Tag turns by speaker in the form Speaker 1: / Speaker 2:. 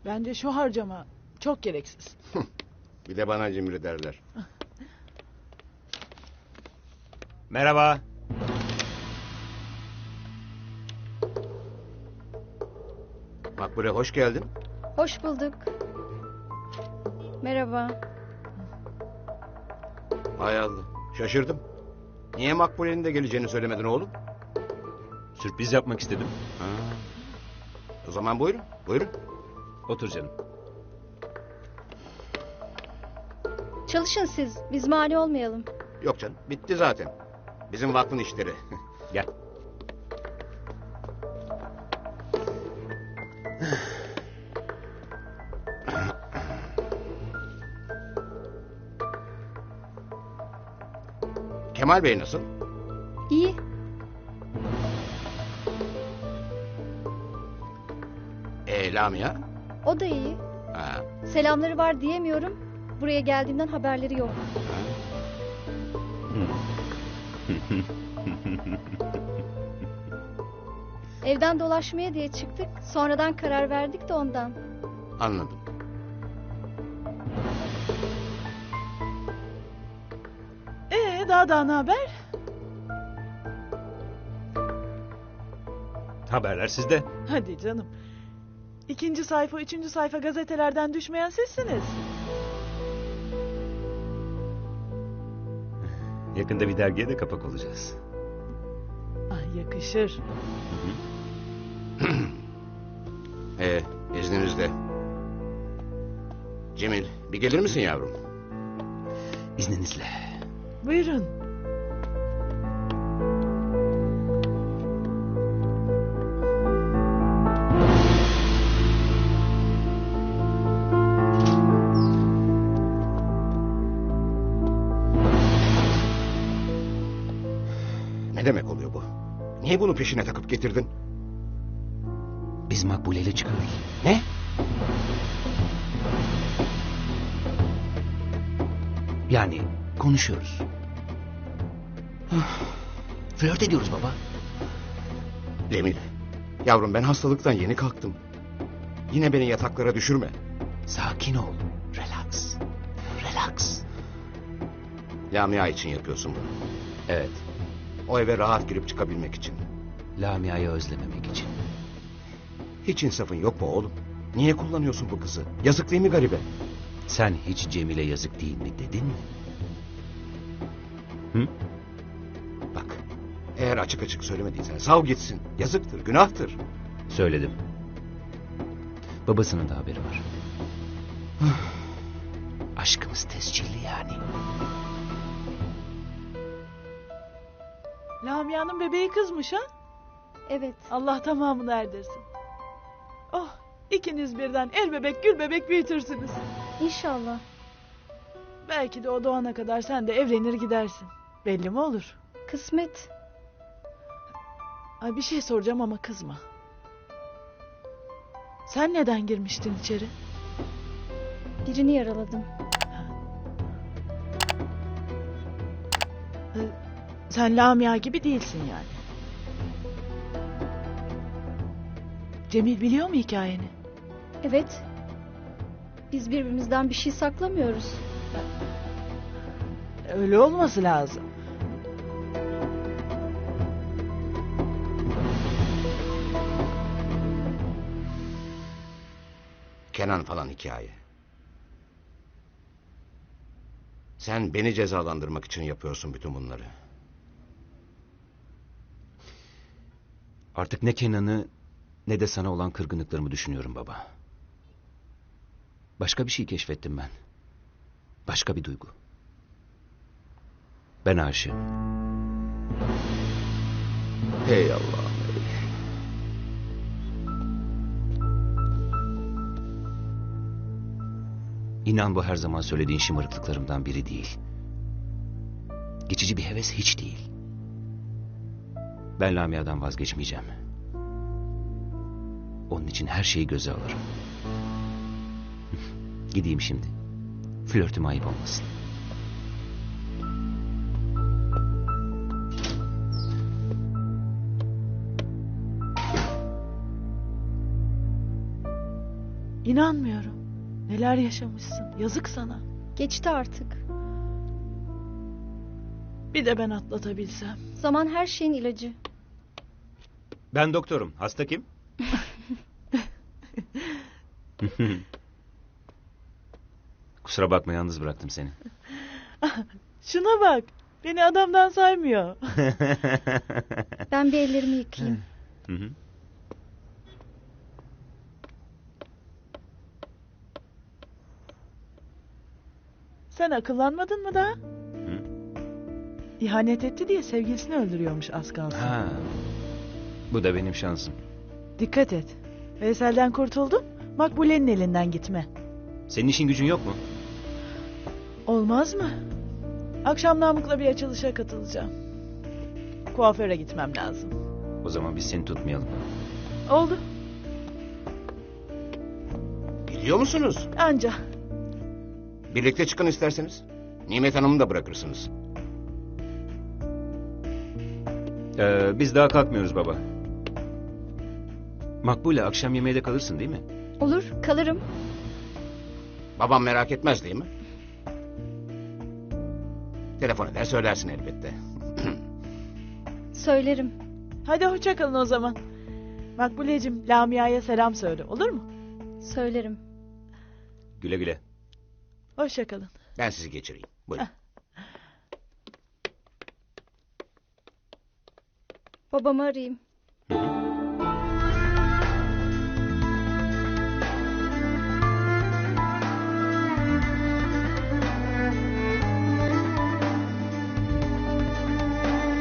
Speaker 1: Bence şu harcama çok gereksiz.
Speaker 2: Bir de bana cimri derler.
Speaker 3: Merhaba.
Speaker 2: Makbule hoş geldin.
Speaker 4: Hoş bulduk. Merhaba.
Speaker 2: Hay Allah. Şaşırdım. Niye Makbule'nin de geleceğini söylemedin oğlum?
Speaker 3: Sürpriz yapmak istedim.
Speaker 2: Ha. O zaman buyurun. Buyurun.
Speaker 3: Otur canım.
Speaker 4: Çalışın siz. Biz mani olmayalım.
Speaker 2: Yok canım. Bitti zaten. Bizim vakfın işleri.
Speaker 3: Gel.
Speaker 2: Kemal Bey nasıl?
Speaker 4: İyi.
Speaker 2: Lamia?
Speaker 4: O da iyi.
Speaker 2: Ha.
Speaker 4: Selamları var diyemiyorum. Buraya geldiğimden haberleri yok. Evden dolaşmaya diye çıktık. Sonradan karar verdik de ondan.
Speaker 2: Anladım.
Speaker 1: Daha ne haber?
Speaker 3: Haberler sizde.
Speaker 1: Hadi canım. 2. sayfa, 3. sayfa gazetelerden düşmeyen sizsiniz.
Speaker 3: Yakında bir dergiye de kapak olacağız.
Speaker 1: Ah, yakışır.
Speaker 2: İzninizle. Cemil, bir gelir misin yavrum?
Speaker 3: İzninizle.
Speaker 1: Buyurun.
Speaker 2: Ne demek oluyor bu? Niye bunu peşine takıp getirdin?
Speaker 3: Biz Makbule ile çıkıyoruz.
Speaker 2: Ne?
Speaker 3: Yani konuşuyoruz. Flört ediyoruz baba.
Speaker 2: Cemil, yavrum ben hastalıktan yeni kalktım. Yine beni yataklara düşürme.
Speaker 3: Sakin ol. Relax. Relax.
Speaker 2: Lamia için yapıyorsun bunu.
Speaker 3: Evet.
Speaker 2: O eve rahat girip çıkabilmek için.
Speaker 3: Lamia'yı özlememek için.
Speaker 2: Hiç insafın yok mu oğlum? Niye kullanıyorsun bu kızı? Yazık değil mi garibe?
Speaker 3: Sen hiç Cemile yazık değil mi dedin mi? Hı?
Speaker 2: Bak, eğer açık açık söylemediysen sav gitsin. Yazıktır, günahtır.
Speaker 3: Söyledim. Babasının da haberi var. Aşkımız tescilli yani.
Speaker 1: Lamia'nın bebeği kızmış ha?
Speaker 4: Evet.
Speaker 1: Allah tamamını erdirsin. Oh, ikiniz birden el bebek gül bebek büyütürsünüz.
Speaker 4: İnşallah.
Speaker 1: Belki de o doğana kadar sen de evlenir gidersin. Belli mi olur?
Speaker 4: Kısmet.
Speaker 1: Ay bir şey soracağım ama kızma. Sen neden girmiştin içeri?
Speaker 4: Birini yaraladım.
Speaker 1: Sen Lamia gibi değilsin yani. Cemil biliyor mu hikayeni?
Speaker 4: Evet. Biz birbirimizden bir şey saklamıyoruz.
Speaker 1: Öyle olması lazım.
Speaker 2: Kenan falan hikaye. Sen beni cezalandırmak için yapıyorsun bütün bunları.
Speaker 3: Artık ne Kenan'ı ne de sana olan kırgınlıklarımı düşünüyorum baba. Başka bir şey keşfettim ben. Başka bir duygu. Ben aşığım.
Speaker 2: Hey Allah'ım.
Speaker 3: İnan bu her zaman söylediğin şımarıklıklarımdan biri değil. Geçici bir heves hiç değil. Ben Lamia'dan vazgeçmeyeceğim. Onun için her şeyi göze alırım. Gideyim şimdi. Flörtüm ayıp olmasın.
Speaker 1: İnanmıyorum. Neler yaşamışsın. Yazık sana.
Speaker 4: Geçti artık.
Speaker 1: Bir de ben atlatabilsem.
Speaker 4: Zaman her şeyin ilacı.
Speaker 3: Ben doktorum. Hasta kim? Kusura bakma, yalnız bıraktım seni.
Speaker 1: Şuna bak. Beni adamdan saymıyor.
Speaker 4: Ben bir ellerimi yıkayayım.
Speaker 3: Hı hı.
Speaker 1: Sen akıllanmadın mı daha?
Speaker 3: Hı.
Speaker 1: İhanet etti diye sevgilisini öldürüyormuş az kalsın.
Speaker 3: Ha. Bu da benim şansım.
Speaker 1: Dikkat et. Veysel'den kurtuldun. Makbule'nin elinden gitme.
Speaker 3: Senin işin gücün yok mu?
Speaker 1: Olmaz mı? Akşam Namık'la bir açılışa katılacağım. Kuaföre gitmem lazım.
Speaker 3: O zaman biz seni tutmayalım.
Speaker 1: Oldu.
Speaker 2: Gidiyor musunuz?
Speaker 1: Anca.
Speaker 2: Birlikte çıkın isterseniz. Nimet Hanım'ı da bırakırsınız.
Speaker 3: Biz daha kalkmıyoruz baba. Makbule, akşam yemeğe de kalırsın değil mi?
Speaker 4: Olur, kalırım.
Speaker 2: Babam merak etmez değil mi? Telefon eder söylersin elbette.
Speaker 4: Söylerim.
Speaker 1: Hadi hoşça kalın o zaman. Makbule'cim Lamia'ya selam söyle, olur mu?
Speaker 4: Söylerim.
Speaker 3: Güle güle.
Speaker 1: Hoşça kalın.
Speaker 2: Ben sizi geçireyim. Buyurun.
Speaker 4: Babamı arayayım.